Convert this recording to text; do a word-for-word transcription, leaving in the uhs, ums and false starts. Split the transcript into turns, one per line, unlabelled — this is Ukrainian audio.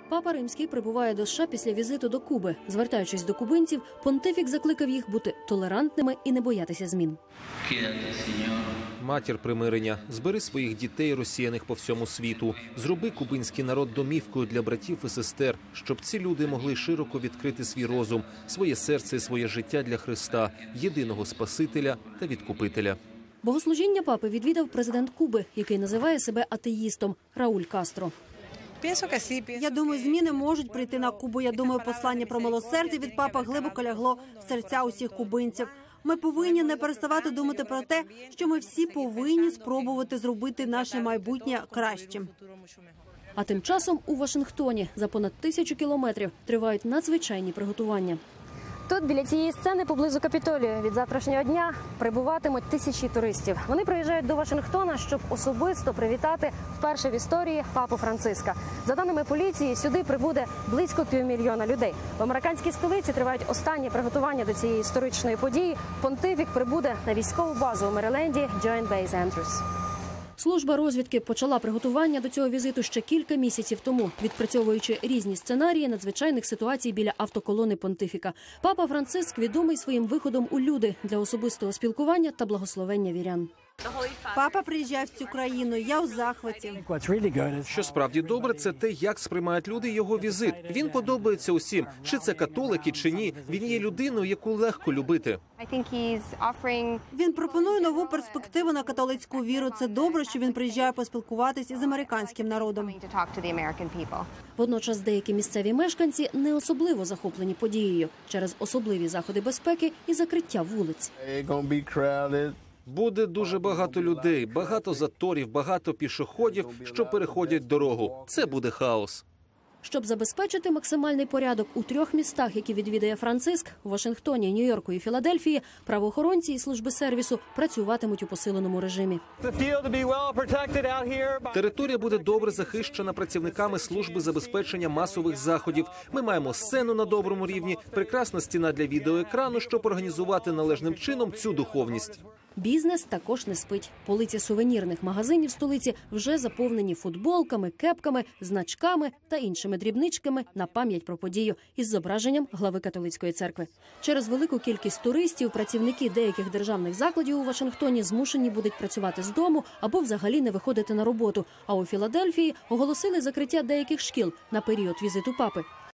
Папа Римський прибуває до США після візиту до Куби. Звертаючись до кубинців, понтифік закликав їх бути толерантними і не боятися змін.
Матір примирення, збери своїх дітей, розсіяних по всьому світу. Зроби кубинський народ домівкою для братів і сестер, щоб ці люди могли широко відкрити свій розум, своє серце і своє життя для Христа, єдиного Спасителя та Відкупителя.
Богослужіння папи відвідав президент Куби, який називає себе атеїстом – Рауль Кастро.
Я думаю, зміни можуть прийти на Кубу. Я думаю, послання про милосердя від папи глибоко лягло в серця усіх кубинців. Ми повинні не переставати думати про те, що ми всі повинні спробувати зробити наше майбутнє кращим.
А тим часом у Вашингтоні за понад тисячу кілометрів тривають надзвичайні приготування.
Тут, біля цієї сцени, поблизу Капітолію, від завтрашнього дня прибуватимуть тисячі туристів. Вони приїжджають до Вашингтона, щоб особисто привітати вперше в історії папу Франциска. За даними поліції, сюди прибуде близько півмільйона людей. В американській столиці тривають останні приготування до цієї історичної події. Понтифік прибуде на військову базу у Мериленді Joint Base Andrews.
Служба розвідки почала приготування до цього візиту ще кілька місяців тому, відпрацьовуючи різні сценарії надзвичайних ситуацій біля автоколони понтифіка. Папа Франциск відомий своїм виходом у люди для особистого спілкування та благословення вірян.
Папа приїжджає в цю країну, я у захваті.
Що справді добре, це те, як сприймають люди його візит. Він подобається усім, чи це католики, чи ні. Він є людиною, яку легко любити.
Він пропонує нову перспективу на католицьку віру. Це добре, що він приїжджає поспілкуватись із американським народом.
Водночас деякі місцеві мешканці не особливо захоплені подією через особливі заходи безпеки і закриття вулиць.
Буде дуже багато людей, багато заторів, багато пішоходів, що переходять дорогу. Це буде хаос.
Щоб забезпечити максимальний порядок у трьох містах, які відвідає Франциск – у Вашингтоні, Нью-Йорку і Філадельфії, правоохоронці і служби сервісу працюватимуть у посиленому режимі.
Територія буде добре захищена працівниками служби забезпечення масових заходів. Ми маємо сцену на доброму рівні, прекрасна стіна для відеоекрану, щоб організувати належним чином цю духовність.
Бізнес також не спить. Полиці сувенірних магазинів столиці вже заповнені футболками, кепками, значками та іншими дрібничками на пам'ять про подію із зображенням глави католицької церкви. Через велику кількість туристів працівники деяких державних закладів у Вашингтоні змушені будуть працювати з дому або взагалі не виходити на роботу. А у Філадельфії оголосили закриття деяких шкіл на період візиту папи.